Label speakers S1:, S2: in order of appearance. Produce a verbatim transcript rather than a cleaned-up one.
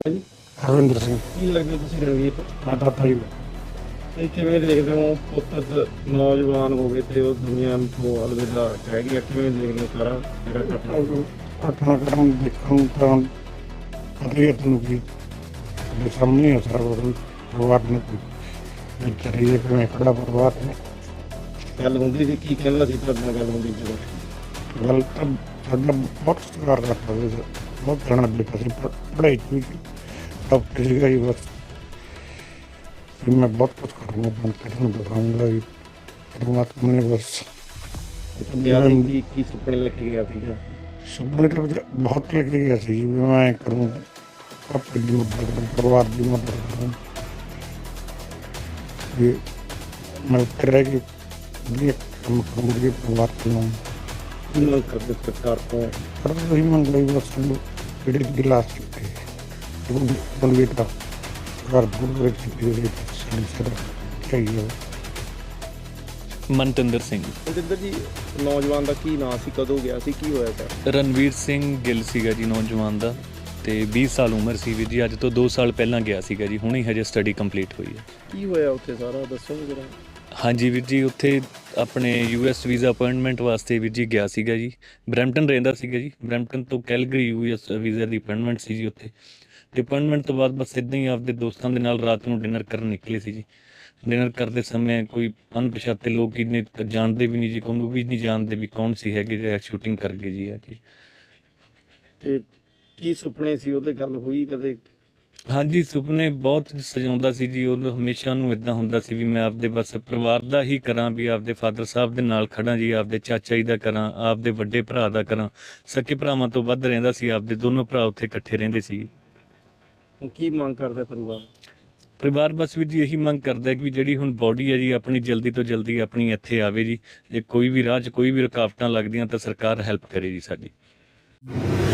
S1: ਜੀ,
S2: ਹਰਵਿੰਦਰ ਸਿੰਘ।
S1: ਕੀ ਲੱਗਦਾ ਤੁਸੀਂ ਰਣਵੀਰ?
S2: ਮੈਂ ਦਾਦਾ ਜੀ
S1: ਤੇ ਕਿਵੇਂ ਦੇਖਦੇ ਹੋ ਪੁੱਤ ਨੌਜਵਾਨ ਹੋ ਗਏ ਤੇ ਉਹ ਦੁਨੀਆ ਤੋਂ ਅਲਵਿਦਾ ਕਹਿ ਗਿਆ, ਕਿਵੇਂ ਦੇਖਦੇ ਹੋ ਸਾਰਾ ਜਿਹੜਾ ਘਟਨਾ?
S2: ਘਟਨਾ ਕਰਨ ਦੇਖਣ ਤਾਂ ਪਤਾ ਹੀ ਹੈ ਤੁਹਾਨੂੰ ਕਿ ਸਾਡੇ ਸਾਹਮਣੇ ਹੈ ਸਾਰਾ ਕੁਛ। ਪਰਿਵਾਰ ਨੂੰ ਕੋਈ ਚਰੀਏ ਕਿਵੇਂ ਖੜਾ ਪਰਿਵਾਰ ਨੇ।
S1: ਗੱਲ ਹੁੰਦੀ ਸੀ, ਕੀ ਕਹਿੰਦਾ ਸੀ ਤੁਹਾਡੇ ਨਾਲ ਗੱਲ ਹੁੰਦੀ ਜਦੋਂ?
S2: ਗੱਲ ਤਾਂ ਸਾਡਾ ਬਹੁਤ ਸਤਿਕਾਰ ਕਰਦਾ ਸੀ, ਬਹੁਤ ਜਾਣਾ ਬੇਟਾ ਸੀ, ਪ- ਪੜ੍ਹਾਈ 'ਚ ਵੀ ਟੌਪ 'ਤੇ ਸੀਗਾ ਜੀ। ਬਸ ਵੀ ਮੈਂ ਬਹੁਤ ਕੁਛ ਕਰੂੰਗਾ, ਬਣ ਕੇ ਤੁਹਾਨੂੰ ਦਿਖਾਊਂਗਾ ਜੀ। ਪਰਮਾਤਮਾ ਨੇ ਬਸ
S1: ਵਿਆਹ ਦੀ ਕੀ ਕੀ ਸੁਪਨੇ ਲੈ ਕੇ ਗਿਆ ਸੀਗਾ?
S2: ਸੁਪਨੇ ਤਾਂ ਵਿੱਚ ਬਹੁਤ ਲੈ ਕੇ ਗਿਆ ਸੀ ਜੀ, ਵੀ ਮੈਂ ਕਰੂੰ ਆਪਣੇ ਦੀ ਮਦਦ ਕਰਾਂ, ਪਰਿਵਾਰ ਦੀ ਮਦਦ ਕਰਾਂ। ਵੀ ਮੈਂ ਉੱਥੇ ਰਹਿ ਕੇ ਵਧੀਆ ਕੰਮ ਕਰੂੰਗੀ ਪਰਿਵਾਰ ਨੂੰ।
S1: ਕੀ ਮੰਗ ਕਰਦੇ ਸਰਕਾਰ ਤੋਂ?
S2: ਪਰ ਉਹੀ ਮੰਗ ਲਈ ਬਸ ਸਾਨੂੰ ਜਿਹੜੇ ਗਿਲਾਸ ਚੁੱਕੇ ਬੰਦੇ ਦਾ ਘਰ ਬੁਰ ਵਿੱਚ ਜਿਹੜੇ ਸਾਡੀ ਸਰ ਚਾਹੀਏ।
S3: ਮਨਤਿੰਦਰ ਸਿੰਘ।
S1: ਮਨਜਿੰਦਰ ਜੀ, ਨੌਜਵਾਨ ਦਾ ਕੀ ਨਾਂ ਸੀ, ਕਦੋਂ ਗਿਆ ਸੀ, ਕੀ ਹੋਇਆ ਸਰ?
S3: ਰਣਵੀਰ ਸਿੰਘ ਗਿੱਲ ਸੀਗਾ ਜੀ ਨੌਜਵਾਨ ਦਾ, ਤੇ ਵੀਹ ਸਾਲ ਉਮਰ ਸੀ ਵੀਰ ਜੀ। ਅੱਜ ਤੋਂ ਦੋ ਸਾਲ ਪਹਿਲਾਂ ਗਿਆ ਸੀਗਾ ਜੀ, ਹੁਣੇ ਹਜੇ ਸਟੱਡੀ ਕੰਪਲੀਟ ਹੋਈ ਹੈ।
S1: ਕੀ ਹੋਇਆ ਉੱਥੇ ਸਾਰਾ ਦੱਸੋਗੇ ਜਰਾ?
S3: ਹਾਂਜੀ ਵੀਰ ਜੀ, ਉੱਥੇ ਆਪਣੇ ਯੂ ਐਸ ਵੀਜ਼ਾ ਅਪਾਇੰਟਮੈਂਟ ਵਾਸਤੇ ਵੀਰ ਜੀ ਗਿਆ ਸੀਗਾ ਜੀ। ਬਰੈਂਪਟਨ ਰਹਿੰਦਾ ਸੀਗਾ ਜੀ, ਬਰੈਂਪਟਨ ਤੋਂ ਕੈਲਗਰੀ ਯੂ ਐਸ ਵੀਜ਼ਾ ਦੀ ਅਪਾਇੰਟਮੈਂਟ ਸੀ ਜੀ ਉੱਥੇ। ਤੇ ਅਪਾਇੰਟਮੈਂਟ ਤੋਂ ਬਾਅਦ ਬਸ ਇੱਦਾਂ ਹੀ ਆਪਦੇ ਦੋਸਤਾਂ ਦੇ ਨਾਲ ਰਾਤ ਨੂੰ ਡਿਨਰ ਕਰਨ ਨਿਕਲੇ ਸੀ ਜੀ। ਡਿਨਰ ਕਰਦੇ ਸਮੇਂ ਕੋਈ ਅਣਪਛਾਤੇ ਲੋਕ ਹੀ ਨੇ, ਜਾਣਦੇ ਵੀ ਨਹੀਂ ਜੀ, ਉਹਨੂੰ ਵੀ ਨਹੀਂ ਜਾਣਦੇ ਵੀ ਕੌਣ ਸੀ ਹੈਗੇ ਜਿਹੜੇ ਸ਼ੂਟਿੰਗ ਕਰ ਗਏ ਜੀ ਅੱਜ।
S1: ਤੇ ਕੀ ਸੁਪਨੇ ਸੀ ਉਹਦੇ, ਗੱਲ ਹੋਈ ਕਦੇ?
S3: ਹਾਂਜੀ, ਸੁਪਨੇ ਬਹੁਤ ਸਜਾਉਂਦਾ ਸੀ ਜੀ। ਉਹ ਹਮੇਸ਼ਾ ਨੂੰ ਇਦਾਂ ਹੁੰਦਾ ਸੀ ਵੀ ਮੈਂ ਆਪਦੇ ਬਸ ਪਰਿਵਾਰ ਦਾ ਹੀ ਕਰਾਂ, ਵੀ ਆਪਦੇ ਫਾਦਰ ਸਾਹਿਬ ਦੇ ਨਾਲ ਖੜਾਂ ਜੀ, ਆਪਦੇ ਚਾਚਾ ਜੀ ਦਾ ਕਰਾਂ, ਆਪਦੇ ਵੱਡੇ ਭਰਾ ਦਾ ਕਰਾਂ। ਸਕੇ ਭਰਾਵਾਂ ਤੋਂ ਵੱਧ ਰਹਿੰਦਾ ਸੀ, ਆਪਦੇ ਦੋਨੋਂ ਭਰਾ ਉੱਥੇ ਇਕੱਠੇ ਰਹਿੰਦੇ ਸੀ।
S1: ਹੁਣ ਕੀ ਮੰਗ ਕਰਦਾ ਪਰਿਵਾਰ?
S3: ਪਰਿਵਾਰ ਬਸ ਵੀ ਜੀ ਇਹੀ ਮੰਗ ਕਰਦਾ ਕਿ ਜਿਹੜੀ ਹੁਣ ਬੋਡੀ ਹੈ ਜੀ ਆਪਣੀ ਜਲਦੀ ਤੋਂ ਜਲਦੀ ਆਪਣੀ ਇੱਥੇ ਆਵੇ ਜੀ। ਜੇ ਕੋਈ ਵੀ ਰਾਹ 'ਚ ਕੋਈ ਵੀ ਰੁਕਾਵਟਾਂ ਲੱਗਦੀਆਂ ਤਾਂ ਸਰਕਾਰ ਹੈਲਪ ਕਰੇ ਜੀ ਸਾਡੀ।